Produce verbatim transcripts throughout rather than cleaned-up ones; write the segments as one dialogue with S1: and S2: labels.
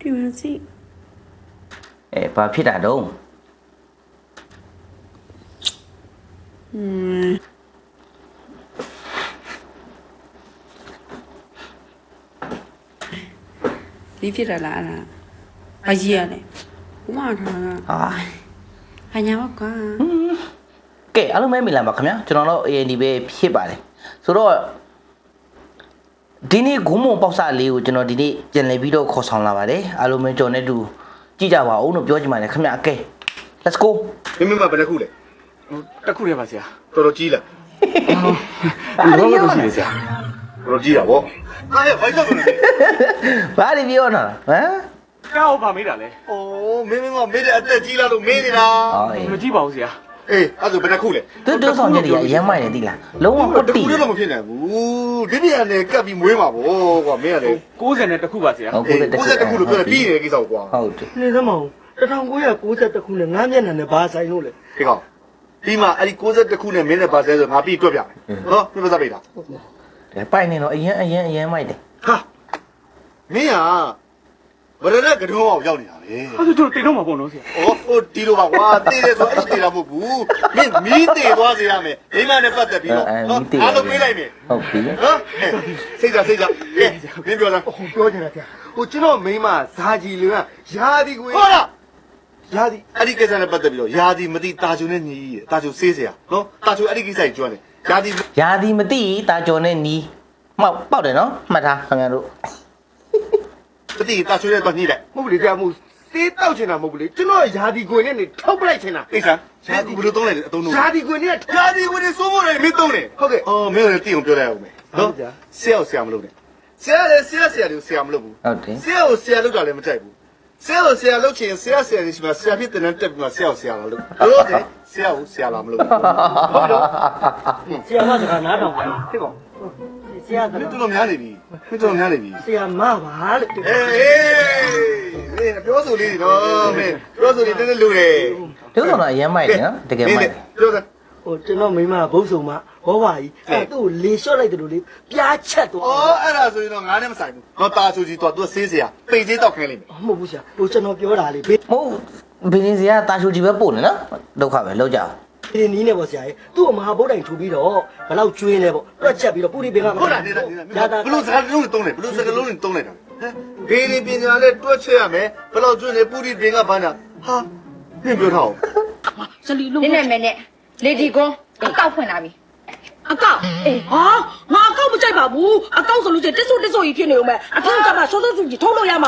S1: ဒီမှာစီ
S2: အဲဘာဖြစ်တာတော့
S1: อืมဒီဖြစ်တာလားအဲ့ဒါဘာကြီးရလဲဘုမထားတာ
S2: ဟာ
S1: ဟာညာဘကွာ
S2: ကဲအားလုံးပဲမိလာပါခင်ဗျာကျွန်တော်တို့ A N D ပဲဖြစ်ပါတယ်ဆိုတော့ဒီနေ့ဂုံးမုံပေါက်စလေးကိုကျွန်တော်ဒီနေ့ပြန်လည်ပြီးတော့ခေါ်ဆောင်လာပါတယ်အားလုံးပဲကျွန်တော်နဲ့တူကြည့်ကြပါဦးလို့ပြောချင်ပါတယ်ခင်ဗျာကဲ let's go
S3: မင်းမမဘယ်နှခုလဲ
S4: တစ်ခုတည်းပါဆရာ
S3: တော်တော်ကြီးလား
S4: ဒီတော့လို့ရှိတယ်ဆရာ
S3: တော်တော်ကြီးတာဗောဟာရဲ့ဘိုက်တော့လို့
S2: ဘာတွေပြောနေတာဟမ်
S4: ကောက်ပါမေးတာလေ
S3: အိုးမင်းမင်းမမေးတဲ့အသက်ကြီးလားလို့မေးနေတာ
S2: ဟောအေး
S4: မကြည့်ပါဘူးဆရာ
S3: အေးအဲ့ဒါဘယ်နှခုလဲ
S2: သူတို့ဆောင်ချက်တွေကအရင်မိုက်နေသိလားလုံးဝပတ်
S3: တ
S2: တိ
S3: ခုလည်းမဖြစ်နိုင်ဘူးဒီပြန်နဲ့ကပ်ပြီးမွေးမှာဗောကွာမင်းကလေ
S4: ကိုးဆယ်နဲ့တစ်ခုပါဆရာ
S2: ဟုတ်
S3: အေး
S2: ကဲ့
S3: ကိုယ်စက်တစ်ခုလို့ပြောတယ်ပြီးနေတဲ့ကိစ္စကိုကွာ
S2: ဟုတ်တယ်
S5: နေသမောင်တထောင်ကိုရ၉၁ခုနဲ့ငါးမျက်နှာနဲ့ဘာဆိုင်လို့လဲ
S3: ဒီကောင်ဒီမှာအဲ့ဒီကိုယ်စက်တစ်ခုနဲ့မင်းနဲ့ပါဆဲဆိုငါပြီးတွက်ပြမယ်နော်ပြပစပိတ်တာ
S2: ဒါပိုက်နေတော့အရင်အရင်အရင်မိုက်တယ်
S3: ဟာမင်းကဘယ်နဲ့ကတော့အောင်ရောက်နေတာလေ
S4: အဲ့ဒါတို့တိတ်တော့မှာပေါ့နော်ဆရာ
S3: ။အော်ဟိုဒီလိုပါကွာတေးတယ်ဆိုအဲ့လိုတေးတာမဟုတ်ဘူး။မင်းမီးတေးသွားစေရမယ်။မိမနဲ့ပတ်သက်ပြီးတော့အားလုံးပြေးလိုက်မယ်
S2: ဟုတ်ပြီ
S3: ။နော်။စိတ်ကြစိတ်ကြ။ကဲမင်းပြောလား
S5: ဟိုပြောချင်တာကြာဟိုကျွန်တော်မိန်းမဇာကြီးလူကယာဒီကို
S3: ။ဟုတ်လား
S5: ယာဒီ
S3: ။အဲ့ဒီကိစ္စနဲ့ပတ်သက်ပြီးတော့ယာဒီမတိတာချုံနဲ့ညီးတာချုံဆေးเสียနော်။တာချုံအဲ့ဒီကိစ္စကြီးကျွမ်းတယ်။ယာဒီ
S2: ယာဒီမသိတာကြော်နဲ့နီးမှောက်ပေါက်တယ်နော်မှတ်ထားခင်ဗျားတို့
S3: မတိတာချုံနဲ့တော့ညှိလိုက်
S5: မဟုတ်လေကြာမှုသေးတောက်ချင်တာမဟုတ်ဘူးလေကျွန်တော်ယာဒီကိုနဲ့နေထုတ်ပလိုက်ချင်တာ
S3: ။ကိစ္စယာဒီဘယ်လိုသုံးလိုက်လဲအတုံးလုံး
S5: ယာဒီကိုနဲ့
S3: ။ယာဒီဝင်စိုးဖို့လည်းမင်းသုံးတယ်
S5: ဟုတ်ကဲ့
S3: ။အော်မင်းလည်းတိအောင်ပြောလိုက်အောင်မယ်။နော်။ဆရာကိုဆရာမလုပ်နဲ့။ဆရာလည်းဆရာဆရာတွေကိုဆရာမလုပ်ဘူး
S2: ဟုတ်တယ်
S3: ဆရာကိုဆရာလုပ်တာလည်းမကြိုက်ဘူးဆရာကိုဆရာလုပ်ချင်ဆရာဆရာတွေရှိမှဆရာဖြစ်တဲ့နဲ့တက်ပြီးမှဆရာကိုဆရာလာလုပ်လို့တယ်ဆရာကိုဆရာလာမလုပ်ဘူးဟုတ်တော့
S5: ဆရာမစကားနားထောင်ပါဖြစ်ပါဆရာက
S3: မင်းတို့များနေပြီမင်းတို့များနေပြီ
S5: ဆရာမပါလေ
S3: အေးအေးမင်းပြောဆိုလေးနော်မင်းပြောဆိုလေးတက်တက်လူတယ်
S2: တို့ကတော့အရင်မိုက်တယ်နော်တကယ်မိုက်တယ်
S3: ပြောစမ်း
S5: ဟိုကျွန်တော်မိန်းမဘုတ်ဆုံမဘောပါကြီးအဲ့သူ့ကိုလေလျှော့လိုက်တယ်လို့လေပြားချက်သွား
S3: အော်အဲ့ဒါဆိုရင်တော့ငါနဲ့မဆိုင်ဘူးတော့တာဆူကြီးတော့သူဆေးဆရာပိတ်သေးတော့ခိုင်းလိမ့်မယ်
S5: မဟုတ်ဘူးဆရာဟိုကျွန်တော်ပြောတာလေဘေး
S2: မဟုတ်ဘင်းစရာတာချိုကြီးပဲပို့နေနော်ဒုက္ခပဲလောက်ကြအောင်
S5: ဒီနီးနေပေါ့ဆရာကြီးသူ့ကိုမဟာဗုဒ္ဓံထူပြီးတော့ဘယ်လောက်ကျွေးလဲပေါ့တွက်ချက်ပြီးတော့ပူရီပင်က
S3: ဟုတ်လားနေတာနေတာဘလို့စကားလုံးသုံးတယ်ဘလို့စကားလုံးသုံးလိုက်တာဟမ်ဘေးဒီပညာနဲ့တွက်ချက်ရမယ်ဘလို့ကျွန်းနေပူရီပင်ကဘာညာဟာမင်းပြောထားအောင်
S1: ဇလီလုံး
S6: နင်းနေမယ်နဲ့လေဒီကွန်အကောက်ဖွင့်လာပြီ
S1: အကောက်အေးဟာငါအကောက်မကြိုက်ပါဘူးအကောက်ဆိုလို့ချင်းတစ်ဆုတစ်ဆုကြီးဖြစ်နေဦးမယ်အထောက်ကမှစောစောစုကြီးထုံးလို့ရမှာ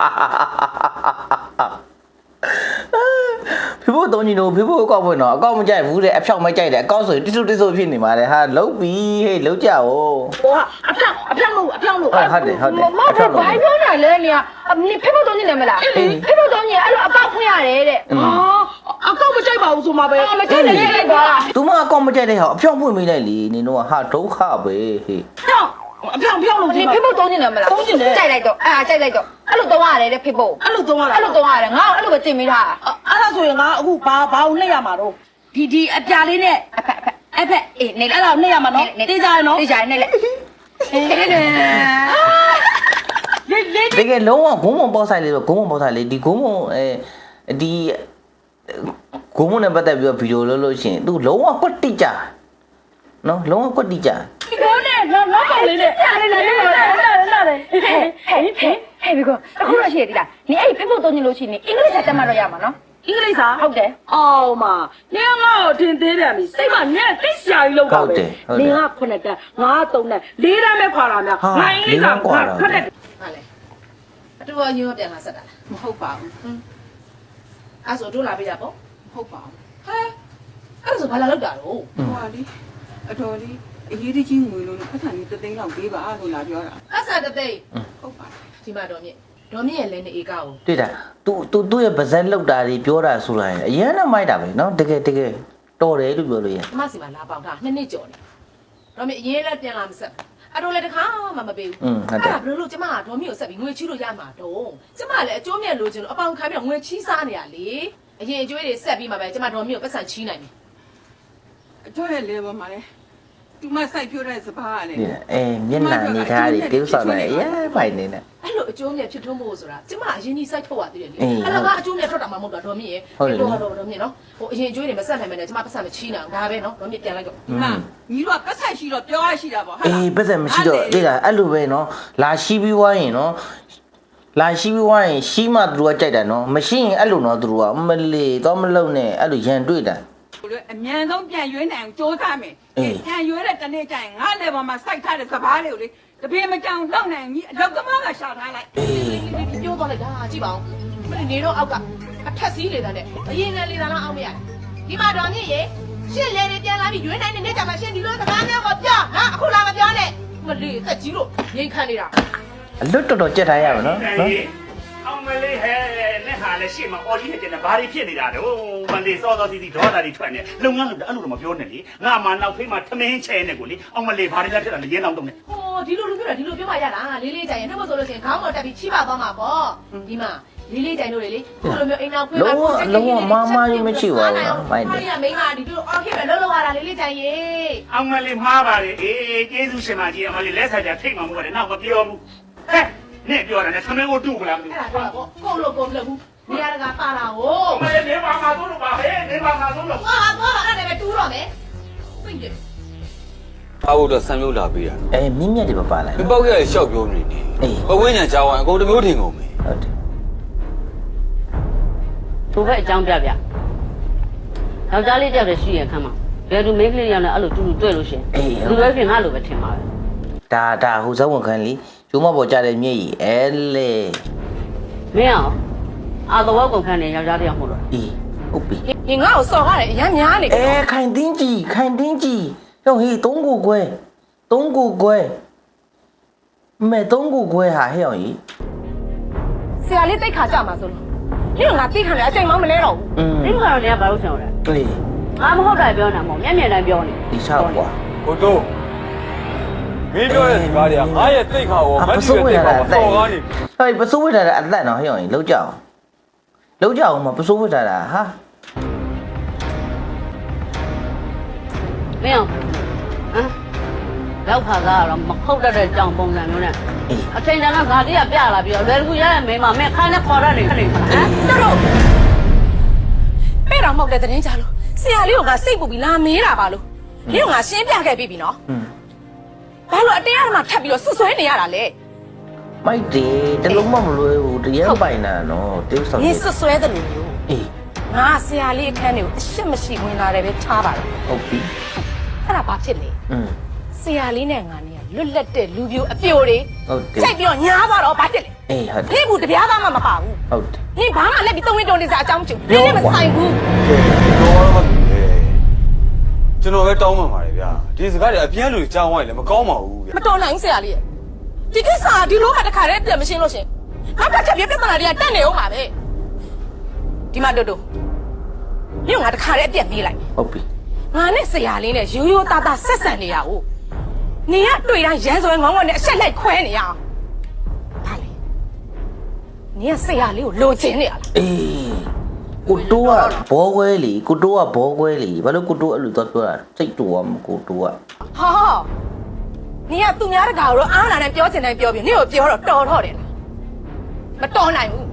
S2: ဖေဖို့တုံးကြီးတို့ဖေဖို့အကောက်ဖွင့်တော့အကောက်မကြိုက်ဘူးတဲ့အဖြောက်မကြိုက်တဲ့အကောက်ဆိုတိစုတိစုဖြစ်နေပါလေဟာလုံးပြီဟေးလုံးကြအောင်
S1: ဟိုကအဖြောက်အဖြောက်လို့အဖြောက်လို့
S2: ဟုတ်ဟုတ်တယ်ဟုတ်တယ်
S6: မဟုတ်ဘာပြောနေလဲနေအနင်ဖေဖို့တုံးနေလဲမလားဖေဖို့တုံးနေအဲ့လိုအကောက်ဖွင့်ရတယ်တဲ့
S1: ဟာအကောက်မကြိုက်ပါဘူးဆိုမှပဲ
S6: မကြည့်နဲ့လိုက်သွားတာ
S2: သူမအကောက်မကြိုက်တဲ့ဟာအဖြောက်ဖွင့်မိလိုက်လေနင်တို့ကဟာဒုက္ခပဲဟေး
S1: ဖြောက်အဖြောက်ဖြောက်လို့
S6: နင်ဖေဖို့တုံးနေလဲမလားကြိုက်လိုက်တော့အာကြိုက်လိုက်တော့အဲ့လိုတုံးရတယ်တဲ့ဖေဖို့
S1: အဲ့လိုသုံးရတာ
S6: အဲ့လိုတုံးရတယ်ငါအဲ့လိုပဲတင်မိထား
S1: အဲ့ဒါဆိုရင်ငါအခုဘာဘာကိုနှိပ်ရမှာတော့ဒီဒီအပြာလေးနဲ့
S6: အဖက်အဖက်
S1: အဲ့ဖက်
S6: အေးနေ
S1: အဲ့ဒါကိုနှိပ်ရမှာနော်တေးကြရနော်
S6: တေးကြရနေလေအေးလေ
S1: လေးလေး
S2: တကယ်လုံးဝဂုံးမပေါက်ဆိုင်လေးတော့ဂုံးမပေါက်ဆိုင်လေးဒီဂုံးမအဲဒီဂုံးမနဲ့ပတ်သက်ပြီးတော့ဗီဒီယိုလုပ်လို့ရှိရင်သူလုံးဝကွက်တိကြနော်လုံးဝကွက်တိကြ
S1: ဒီကောနဲ့ငါငါပါလေးနဲ့
S6: လာလေလာလေလာလေလာလေဟဲ့ဟဲ့ဟဲ့ဟဲ့ဘီကောအခုတော့ရှိရသေးလားနင်အဲ့ဖေဖို့တုံးနေလို့ရှိရင်အင်္ဂလိပ်စာတက်မှတော့ရမှာနော်
S1: အင်္ဂလိပ်စာ
S6: ဟုတ်တယ်
S1: အော်မနင်ငါ့ကိုထင်သေးတယ်မီစိတ်မနဲ့တိတ်ဆရာကြီးလောက်တာပဲနင်ကခုနှစ်တန်းငါသုံးတန်းလေးတန်းပဲခွာလာများငါအင်္ဂလိပ်စာခက်တယ်
S6: ဟာလေအတူအရင်ကပြန်လာဆက်တာမဟုတ်ပါဘူးဟင်းအဲ့ဆိုတို့လာပြကြပေါ့မဟုတ်ပါဘူးဟဲအဲ့ဆိုဘာလာလောက်တာတော့
S7: ဟွာလေအတော်လေးအရေးတကြီးငွေလို့ဖက်ထန်ကြီးတသိန်းလောက်ပေးပါလို့လာပြောတာ
S6: အဆာတသိန်း
S7: ဟုတ်ပါ
S6: ဒီမှာတော့မြင့်ဒေါ်မြင့်ရဲ့လဲနေဧကကို
S2: တွေ့တာ तू तू သူ့ရဲ့ဗဇက်လောက်တာတွေပြောတာဆိုလိုက်ရင်အရင်ကမိုက်တာပဲနော်တကယ်တကယ်တော်တယ်လို့ပြောလို့ရ
S6: ကျမစီမှာလာပေါင်တာနှစ်နှစ်ကျော်နေဒေါ်မြင့်အရင်လည်းပြန်လာမဆက်အတော်လည်းတခါမှမပေးဘူး
S2: อืมဟုတ်တယ်
S6: ဘယ်လိုလို့ကျမကဒေါ်မြင့်ကိုဆက်ပြီးငွေချီးလို့ရမှာတော့ကျမလည်းအကျိုးမြတ်လိုချင်လို့အပေါင်ခံပြီးတော့ငွေချီးစားနေရလေအရင်အကျွေးတွေဆက်ပြီးမှပဲကျမဒေါ်မြင့်ကိုပတ်စံချီးနိုင်တယ်
S7: အကျော်ရဲ့လေပေါ်မှာလေသူမစိုက်ပြတဲ့စပါးကလေ
S2: အေးမျက်နှာနေထားတွေတိ ਉ ဆောက်တယ်ရဲပိုင်နေနဲ့
S6: အဲ့လိုအကျိုးမြတ်ဖြစ်ထွန်းဖို့ဆိုတာကျမအရင်ကြီးစိုက်ထုတ်ရသေးတယ်လေအဲ့ဒါကအကျိုးမြတ်ထွက်တာမှမဟုတ်တာဒေါ်မြင့်ရဲ့တော့တော့ဒေါ်မြင့်နော်ဟိုအရင်အကျိုးတွေမဆက်နိုင်မနဲ့ကျမပတ်ဆက်မချီးနိုင်အောင်ဒါပဲနော်ဒေါ်မြင့်ပြန်လိုက်တော့
S7: ဒီမှာညီတို့ကပတ်ဆက်ရှိတော့ပြောရရှိတာပေါ့ဟာ
S2: အေးပတ်သက်မရှိတော့တိတာအဲ့လိုပဲနော်လာရှိပြီးွားရင်နော်လာရှိပြီးွားရင်ရှိမှသူတို့ကကြိုက်တာနော်မရှိရင်အဲ့လိုနော်သူတို့ကမလေးတော့မလုံနဲ့အဲ့လိုရန်တွေ့တာ
S7: အမြန်ဆုံးပြန်ရွေးနိုင်အောင်စူးစမ်းမယ်ပြန်ရွေးတဲ့တနေ့ကျရင်ငါ့လေပေါ်မှာစိုက်ထားတဲ့စပါးလေးကိုလေတပင်းမကြောင်လောက်နိုင်ကြီးအလောက်သမားကရှာထားလိုက်
S6: ပြောသွားလိုက်တာကြည့်ပါဦးမင်းနေတော့အောက်ကအထက်စီးလေတဲ့နဲ့အရင်နဲ့လေတာလားအောင်မရဒီမှာတော်မြင့်ရေရှင့်လေတွေပြန်လာပြီးရွေးနိုင်တဲ့နေ့ကျမှရှင့်ဒီလိုစကားမျိုးကိုပြောဟာအခုလာမပြောနဲ့မလေးတက်ကြီးလို့ငိမ့်ခံနေတာ
S2: အလွတ်တော်တော်ကြက်ထားရပါနော်နော်
S4: အောင်မလေးဟဲ့နဲ့ဟာလည်းရှေ့မှာအော်ကြီးနဲ့ကျန်တဲ့ဘာတွေဖြစ်နေတာတော့မလေးစောစောစီစီဒေါသတွေထွက်နေလုပ်ငန်းလုပ်တယ်အဲ့လိုတော့မပြောနဲ့လေငါမှနောက်ဖေးမှာထမင်းချဲနေကိုလေအောင်မလေးဘာတွေလဲဖြစ်တာလဲရင်းအောင်တုံးနေ
S6: ဟိုဒီလိုလူပြောတာဒီလိုပြောပါရလားလေးလေးကြိုင်ရင်တော့မဆိုလို့ရှိရင်ခေါင်းပေါ်တက်ပြီးချိပါသွားမှာပေါ့ဒီမှာလေးလေးကြိုင်တို့လေလေဒီလိုမျိုးအိမ်နောက်ခွေးမှာမိုက်တယ်
S2: လုံးဝမမကြီးမရှိပါဘူးနော်မိုက်တယ်
S6: မိန်းမဒီလိုအော်ခေပဲလုံးလုံးရတာလေးလေးကြိုင်ရေ
S4: အောင်မလေးမှားပါလေအေးကျေးဇူးရှင်မကြီးအောင်မလေးလက်ဆက်ကြထိတ်မှမဟုတ်တယ်နောက်မပြောဘူးဟဲ့နဲ့ပြောတယ်နဲ့သမင်းကိုတူမလားမသိ
S6: အဲ့ဒါတော့ကိုလို့ကိုမလုပ်ဘူးနေရာတကာပါလာဟို
S4: ဘူးအောင်မလေးနေပါမှာသုံးလို့ပါဟဲ့နေပါမှာသုံးလို့
S6: ဟာဟာအဲ့ဒါပဲတူးတော့မယ်ပြည့်တယ်
S8: အားဖို့တော့ဆံမျိုးလာပေးတာ
S2: အေးမြင့်မြတ်တွေမပါလိုက်
S8: မပေါက်ရရှောက်ပြောနေနေပဝင်းညာကြောင်းအကုန်တစ်မျိုးထင်ကုန်ပြီ
S2: ဟုတ်တယ်
S9: သူပဲအကြောင်းပြပြယောက်ျားလေးတယောက်တည်းရှိရခမ်းမှာဘယ်သူမိန်းကလေးရောက်နေအဲ့လိုတူတူတွေ့လို့ရှင်လူပဲဖြစ်ငါလိုပဲထင်ပါပဲ
S2: ဒါဒါဟိုဇောဝန်ခံလीကျိုးမပေါ်ကြတဲ့မြည့်ကြီးအဲလေ
S9: မင်းအောင်အာတော်ကုန်ခန်းနေယောက်ျားတယောက်မို့လို့
S2: အေးဟုတ်ပြီ
S6: ဒီငါ့ကိုစော်ရတယ်အရမ်းများနေ
S2: အဲခိုင်တင်းကြီးခိုင်တင်းကြီးဟိုဟေးသုံးကိုခွဲသုံးကိုခွဲမဲသုံးကိုခွဲဟာဟဲ့အောင်ကြီး
S6: ဆရာလေးတိတ်ခါကြမှာဆိုလို့ဒီကငါတိတ်ခါလေအချိန်မှမလဲတော့ဘူး
S2: อืม
S9: ဒီကတော့လည်းဘာလို့ဆောင်လဲ
S2: အေး
S9: ငါမဟုတ်တာပြောနေတာမဟုတ်မျက်မြင်တိုင်းပြောနေ
S2: ဒီချောက်ကွာ
S8: ကိုတို့မင်းပြောတဲ့စကားတွေကငါရဲ့တိတ်ခါရောမတိရဲ့တိတ်ခါရောတော်ကားနေ
S2: ဟဲ့ပစိုးဝစ်တာအသက်နော်ဟဲ့အောင်ကြီးလောက်ကြအောင်လောက်ကြအောင်မပစိုးဝစ်တာဟာ
S9: မင်းအောင်ဟမ်လောက်ခါကားကတော့မဟုတ်တတ်တဲ့ကြောင်ပုံစံမျိုးနဲ့
S2: အေး
S9: အချိန်တန်ကငါလေးကပြလာပြီးတော့လွယ်ကူရရဲ့မိန်းမမင်းခါနဲ့ခေါ်ရတယ်ခဏနေခလားဟမ်
S6: တော်တော်အဲ့တော့မဟုတ်တဲ့တင်းကြလို့ဆရာလေးကငါစိတ်ပူပြီးလာမေးတာပါလို့ဒီကငါရှင်းပြခဲ့ပြီပြီနော်
S2: อืม
S6: ဘာလို့အတင်းအဓမ္မထပ်ပြီးတော့ဆွဆွဲနေရတာလဲ
S2: မိုက်တယ်တလုံးမမလွယ်ဘူးတရက်ပိုင်တာနော်တိ ਉ ဆောက်
S6: 你是摔的牛。
S2: အေး
S6: ငါဆရာလေးအခန်းတွေကိုအရှက်မရှိဝင်လာတယ်ပဲထားပါတော့
S2: ဟုတ်ပြီ
S6: အဲ့ဒါဘာဖြစ်လဲ
S2: อืม
S6: ဆရာလေးနဲ့ငါနဲ့လွတ်လပ်တဲ့လူပြိုအပြိုတွေ
S2: ဟုတ်တယ်
S6: ကြိုက်ပြီးတော့ညားသွားတော့ဘာဖြစ်လဲ
S2: အေးဟုတ်တယ်
S6: နေဘူးတပြားသားမှမပါဘူး
S2: ဟုတ်တယ်
S6: နေဘာမှလက်ပြီးသုံးဝင်းတုံးနေစားအကြောင်းမချူနေလည်းမဆိုင်ဘူး
S8: တော်တော့မသိလေကျွန်တော်ပဲတောင်းပန်ပါတယ်ဗျာဒီစကားတွေအပြင်းလူကြောင်းဝိုင်းလည်းမကောင်းပါဘူးဗျာ
S6: မတော်နိုင်ဘူးဆရာလေးရဲ့ဒီကိစ္စကဒီလိုမှတခါတည်းပြန်မရှင်းလို့ရှင်နောက်တစ်ချက်ပြပြဿနာတွေကတက်နေအောင်ပါပဲဒီမှာတို့တို့ညငါတခါတည်းအပြက်ပြေးလိုက်
S2: ဟုတ်ပြီ
S6: ငါနဲ့ဆရာလေးနဲ့ရိုးရိုးသားသားဆက်ဆံနေရအောင်နေရတွေ့တိုင်းရန်စွဲငေါငေါနဲ့အဆက်လိုက်ခွဲနေရအောင်ဒါလေနေရဆရာလေးကိုလိုချင်နေရလား
S2: အေးကိုတိုးကဘောခွဲလီကိုတိုးကဘောခွဲလီဘာလို့ကိုတိုးအဲ့လိုတော့ပြောတာစိတ်တူอ่ะကိုတိုးက
S6: ဟာနေရသူများတကာတော့အားလာနဲ့ပြောချင်တိုင်းပြောပြီးနေကိုပြောတော့တော်တော့တယ်လားမတော်နိုင်ဘူး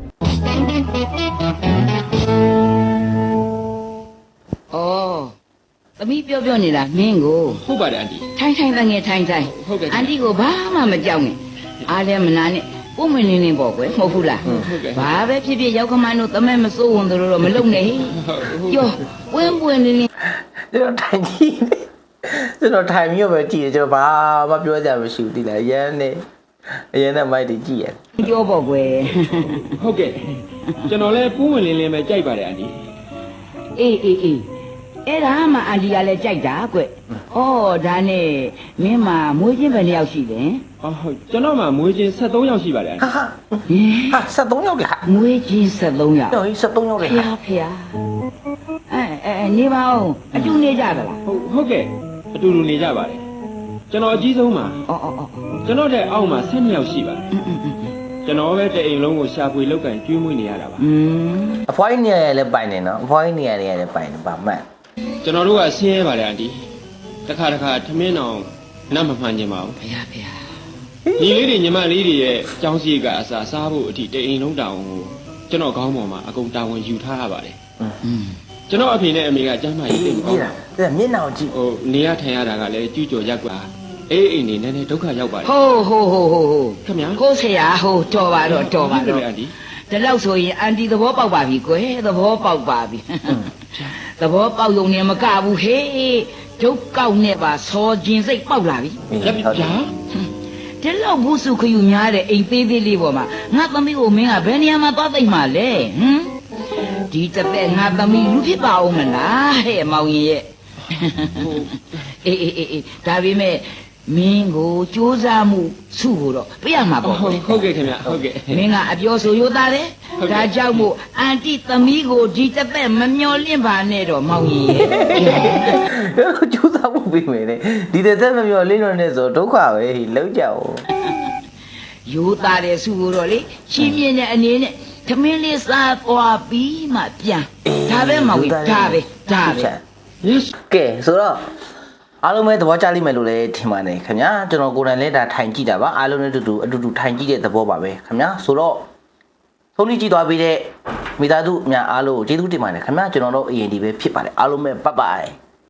S10: 哦，သမီးပြောပြောနေတာမင်းကို
S4: ဟုတ်ပါတယ်အန်တီ
S10: ထိုင်ထိုင်တငယ်ထိုင်ထိုင်
S4: ဟုတ်ကဲ့
S10: အန်တီကိုဘာမှမကြောက်နဲ့အားလည်းမနာနဲ့ပုံမင်းလင်းလင်းပေါ့ကွယ်မဟုတ်ဘူးလား
S4: ဟုတ်ကဲ့
S10: ဘာပဲဖြစ်ဖြစ်ရောက်ခမန်းတို့တမဲမစိုးဝင်တို့တော့မလုံနဲ့ကြောပွင့်ပွင့်လင်းလင်း
S2: ကျွန်တော်ထိုင်ကြည့်နေကျွန်တော်ထိုင်မြို့ပဲကြည့်တယ်ကျွန်တော်ဘာမှပြောကြမရှိဘူးတိလားရမ်းနေအရင်နဲ့မိုက်တွေကြည့်ရတယ်
S10: ကြောပေါ့ကွယ်
S4: ဟုတ်ကဲ့ကျွန်တော်လည်းပူးဝင်လင်းလင်းပဲကြိုက်ပါတယ်အန်တီ
S10: အေးအေးအေးအဲ့ဒါမှအန်တီကလည်းကြိုက်တာကွဩဒါနဲ့မင်းမမွေးချင်းပဲတစ်ယောက်ရှိတယ်
S4: အော်ဟုတ်ကျွန်တော်မှမွေးချင်းဆက်သုံးယောက်ရှိပါတယ်အန်တီ
S2: ဟာ
S10: ဟင်
S2: ဟာဆက်သုံးယောက်လေဟာ
S10: မွေးချင်းဆက်သုံးယောက်
S2: တော်ကြီးဆက်သုံးယောက်လေ
S10: ဖျားဖျားအဲအဲနေပါဦးအတူနေကြသလား
S4: ဟုတ်ဟုတ်ကဲ့အတူတူနေကြပါတယ်ကျွန်တော်အကြီးဆုံးပါ
S10: အော်အော်အော်
S4: ကျွန်တော်တဲ့အောက်မှာဆယ်နှစ်ယောက်ရှိပါတယ်ကျွန်တော်ပဲတဲ့အိမ်လုံးကိုရှာဖွေလောက်ကင်ကျွေးမွေးနေရတာပါ
S10: อืม
S2: အဖွားကြီးနေရလည်းပိုင်နေနော်အဖွားကြီးနေရလည်းပိုင်နေပါမှန်
S4: ကျွန်တော်တို့ကဆင်းရဲပါတယ်အန်တီဒါ
S11: တခါတခါထမင်းအောင်နတ်မမှန်ခြင်းပါဘူး
S10: ဖေဖေ
S11: ညီလေးတွေညီမလေးတွေရဲ့အကြောင်းစီကအစားစားဖို့အထိတိတ်အိမ်လုံးတောင်ကိုကျွန်တော်ခေါင်းပေါ်မှာအကုန်တာဝန်ယူထားရပါတယ်
S10: อืม
S11: ကျွန်တော်အဖေနဲ့အမေကကျမ်းမာရေးတိတ်မကောင်းပါဘူး
S2: တဲ့မျက်နှာကြည့်
S11: ဟိုနေရထိုင်ရတာကလည်းကျူးကျော်ရက်ကွာအေးအိမ်နေနည်းနည်းဒုက္ခရောက်ပါတယ်
S10: ဟိုးဟိုးဟိုးဟိုးဟိုး
S11: ခင်ဗျာ
S10: ကိုဆရာဟိုးတော်ပါတော့တော်ပါတော့
S11: အန်ဒီ
S10: ဒီလောက်ဆိုရင်အန်တီသဘောပေါက်ပါပြီကွယ်သဘောပေါက်ပါပြီသဘောပေါက်ုံနဲ့မကဘူးဟေးဒုက္ကောက်နဲ့ပါစောခြင်းစိတ်ပေါက်လာပြီ
S11: လက်ပြဗျာ
S10: ဒီလောက်ဘူးစုခယူများတဲ့အိမ်သေးသေးလေးပေါ်မှာငါသမီးကိုမင်းကဘယ်နေရာမှာသွားသိမ့်မှာလဲဟမ်ဒီတစ်သက်ငါသမီးလူဖြစ်ပါဦးမလားဟဲ့မောင်ရင်ရဲ့အေးအေးအေးအေးဒါပေမဲ့မင်းကိုစူးစမ်းမှုစုဖို့တော့ပြရမှာပေါ့
S11: ဟုတ်ဟုတ်ကဲ့ခင်ဗျဟုတ်ကဲ့
S10: မင်းကအပြောဆိုရိုးသားတယ်ဒါကြောင့်မို့အန်တီသမီးကိုဒီတစ်သက်မမျော်လင့်ပါနဲ့တော့မောင်ရင်ရဲ့
S2: ကျူးစားဖို့ပြီးမယ်လေဒီတဲ့သက်မပြောလင်းတော့နဲ့ဆိုဒုက္ခပဲလုံးကြအောင်
S10: ရိုးသားတယ်စုဖို့တော့လေချင်းမြင့်တဲ့အနေနဲ့သမင်းလေးစားသွားပြီးမှပြန်ဒါပဲမောင်ကြီးဒါပဲဒါပဲ
S2: ကဲဆိုတော့အားလုံးပဲသဘောကျလိမ့်မယ်လို့လည်းထင်ပါတယ်ခင်ဗျာကျွန်တော်ကိုယ်တိုင်လည်းဒါထိုင်ကြည့်တာပါအားလုံးနဲ့အတူတူအတူတူထိုင်ကြည့်တဲ့သဘောပါပဲခင်ဗျာဆိုတော့ဆုံးဖြတ်ကြည့်သွားပြီးတဲ့မိသားစုအများအားလုံးကိုကျေးဇူးတင်ပါတယ်ခင်ဗျာကျွန်တော်တို့ A N D ပဲဖြစ်ပါတယ်အားလုံးပဲပတ်ပါ